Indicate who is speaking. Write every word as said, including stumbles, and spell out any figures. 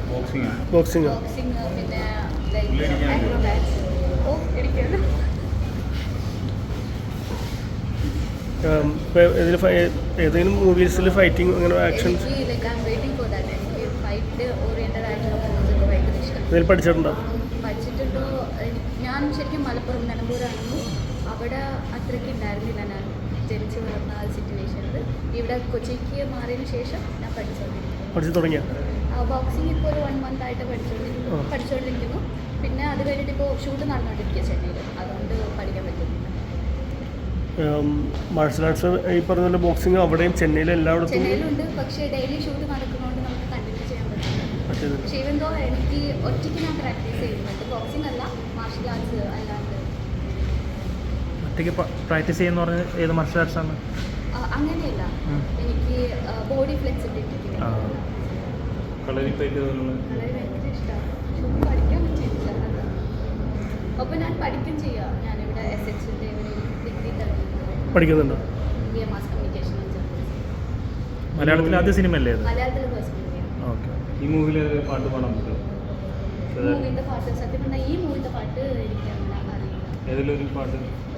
Speaker 1: Boxing
Speaker 2: boxing
Speaker 3: boxing പിന്നെ ആക്രോബാറ്റ്സ് ഓ ഇടിക്കുന്നു.
Speaker 2: ഇപ്പോൾ ഇതിൽ ഏതെങ്കിലും മൂവീസിൽ ഫൈറ്റിംഗ് അങ്ങനെ ആക്ഷൻസ്
Speaker 3: എനിക്ക് like I'm waiting for that. എനിക്ക് ഫൈറ്റ് ഓറിയൻറ്റഡ് ആയിട്ടുള്ള മൂവീസൊക്കെ ഭയങ്കര ഇഷ്ടം.
Speaker 2: ഇതിൽ പഠിച്ചിട്ടുണ്ടോ?
Speaker 3: പഠിച്ചിട്ടുണ്ടോ? ഞാൻ ശരിക്കും മലപ്പുറം നിലമ്പൂരായിരുന്നു. അവിടെ അത്രയ്ക്ക് ഉണ്ടായിരുന്നില്ല ഞാൻ ജനിച്ച് വളർന്ന ആ സിറ്റുവേഷനിൽ. ഇവിടെ കൊച്ചിക്ക് മാറിയതിന് ശേഷം ഞാൻ പഠിച്ചുകൊണ്ടിരിക്കുന്നു.
Speaker 2: പഠിച്ചു തുടങ്ങിയ
Speaker 3: ബോക്സിംഗ് ഇപ്പോൾ ഒരു വൺ മന്ത് ആയിട്ട് പഠിച്ചുകൊണ്ടിരിക്കുന്നു പഠിച്ചുകൊണ്ടിരിക്കുന്നു പിന്നെ അത് കഴിഞ്ഞിട്ട് ഇപ്പോൾ ഷൂട്ട് നടന്നുകൊണ്ടിരിക്കുക ചെന്നൈയിൽ. അതുകൊണ്ട് പഠിക്കാൻ പറ്റുന്നില്ല.
Speaker 2: മാർഷൽ ആർട്സ് ഈ പറഞ്ഞ പോലെ ബോക്സിംഗ് അവിടെയും ചെന്നൈയിലും എല്ലായിടത്തും
Speaker 3: ചെന്നൈയിലുണ്ട്. പക്ഷേ ഡെയിലി ഷൂട്ട് നടക്കുന്നതുകൊണ്ട് നമുക്ക് കണ്ടിന്യൂ ചെയ്യാൻ പറ്റില്ല. പക്ഷേ ഇവന്തോ എനിക്ക് ഒറ്റയ്ക്ക് ഞാൻ പ്രാക്ടീസ് ചെയ്യുന്നുണ്ട്. ബോക്സിംഗ് അല്ല, മാർഷൽ ആർട്സ് അല്ലാണ്ട്.
Speaker 4: ഒറ്റയ്ക്ക് പ്രാക്ടീസ് ചെയ്യുന്ന പറഞ്ഞാൽ ഏത് മാർഷൽ ആർട്സ് ആണ്?
Speaker 3: അങ്ങനെയല്ല, എനിക്ക് ബോഡി ഫ്ലെക്സിബിലിറ്റി
Speaker 1: കളരി ഫൈറ്റ്
Speaker 3: വളരെ ഭയങ്കര ഇഷ്ടമാണ്. പഠിക്കാൻ പറ്റിയിട്ടില്ല. അപ്പോൾ ഞാൻ പഠിക്കും ചെയ്യാം. ഞാനിവിടെ എസ് എച്ചിൻ്റെ ഒരു ഡിഗ്രി
Speaker 2: പഠിക്കുന്നുണ്ടോ?
Speaker 3: B A mass communication and journalism.
Speaker 4: മലയാളത്തിൽ ആദ്യ സിനിമ അല്ലേ അത്?
Speaker 3: മലയാളത്തിൽ ഫസ്റ്റ് മൂവിയാണ്.
Speaker 4: ഓക്കെ.
Speaker 1: ഈ മൂവിയിൽ പാട്ട് പാടാൻ പറ്റുമോ?
Speaker 3: മൂവിൻ്റെ പാട്ട് സത്യം പറഞ്ഞാൽ ഈ മൂവിൻ്റെ പാട്ട് എനിക്ക് അങ്ങനെ അറിയില്ല.
Speaker 1: ഏതെങ്കിലും ഒരു പാട്ട്